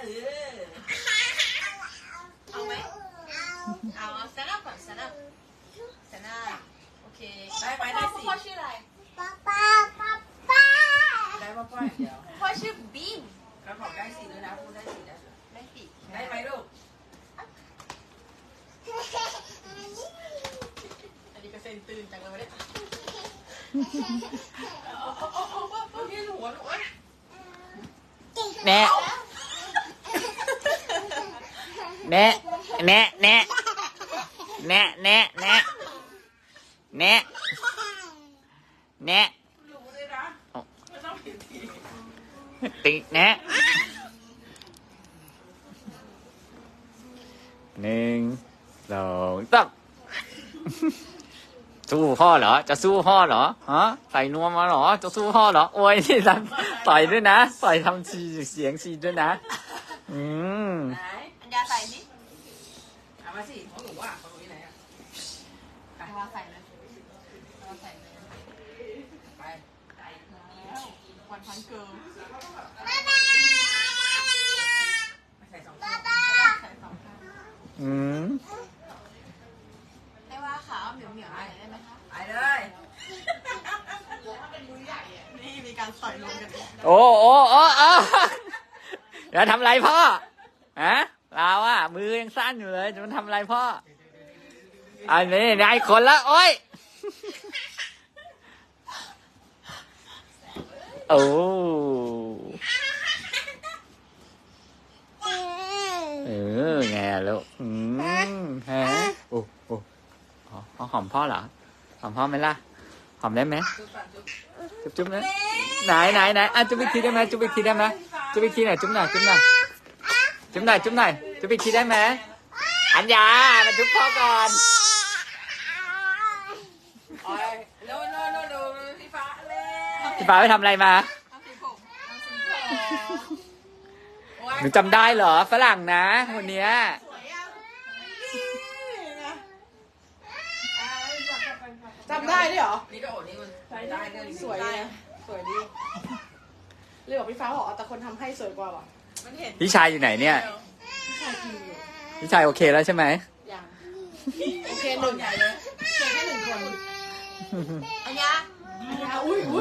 เอาไหมเอาเซน่าก่อนเซน่าโอเคได้ไหมได้สิพ่อชื่ออะไรได้พ่อเดี๋ยวพ่อชื่อบีมแล้วบอกได้สิด้วยนะพูดได้สิได้ไหมลูกอันนี้ก็เส้นตื่นจังเลยไม่ได้พี่หัวหนูแน่แน่แน่แน่แน่แน่แน่แน่แน่รู้เลยนะไม่ต้องผิดทีติแน่1 2 3สู้พ่อเหรอจะสู้พ่อเหรอฮะใส่นวมมาเหรอจะสู้พ่อเหรอโอ้ยนี่ทำต่อยด้วยนะต่อยทำเสียงซีด้วยนะไหนอัญญาใส่สิเอามาสิของหนูอ่ะของหนูที่ไหนอ่ะเอามาใส่เลยไปแล้ววันพันเกิร์ลใส่2 ข้างให้ว่าขาเหนียวๆได้ไหมคะไปเลยนี่มีการต่อยลงกันโอ้เดี๋ยวทำไรพ่อฮะเราอะมือยังสั้นอยู่เลยจะมันทำไรพ่ออันนี้นายคนละโอ้ยโอ้ไงลูกฮะโอ้หอมพ่อเหรอหอมพ่อไหมล่ะหอมได้ไหมจุ๊บนะไหนอ่ะจุ๊บอีกทีได้ไหมจุ๊บอีกทีได้ไหมจุ๊บอีกทีหน่อยจุ๊บหน่อยจุ๊บอีกทีได้ไหมอัญญามาจุ๊บพ่อก่อนโน่พี่ฟ้าเลยพี่ฟ้าไปทำอะไรมาหนูจำได้เหรอฝรั่งนะคนเนี้ยจำได้ด้วยเหรอนี่ก็โอ้นี่มันได้เลยสวยนะสวยดีเรียกว่าพี่ฟ้าบอกแต่คนทำให้สวยกว่าว่ะพี่ชายอยู่ไหนเนี่ยพี่ชายโอเคแล้วใช่ไหมยังโอเค1ใหญ่เลยโอเคแค่1 คนอัญญาอุ้ย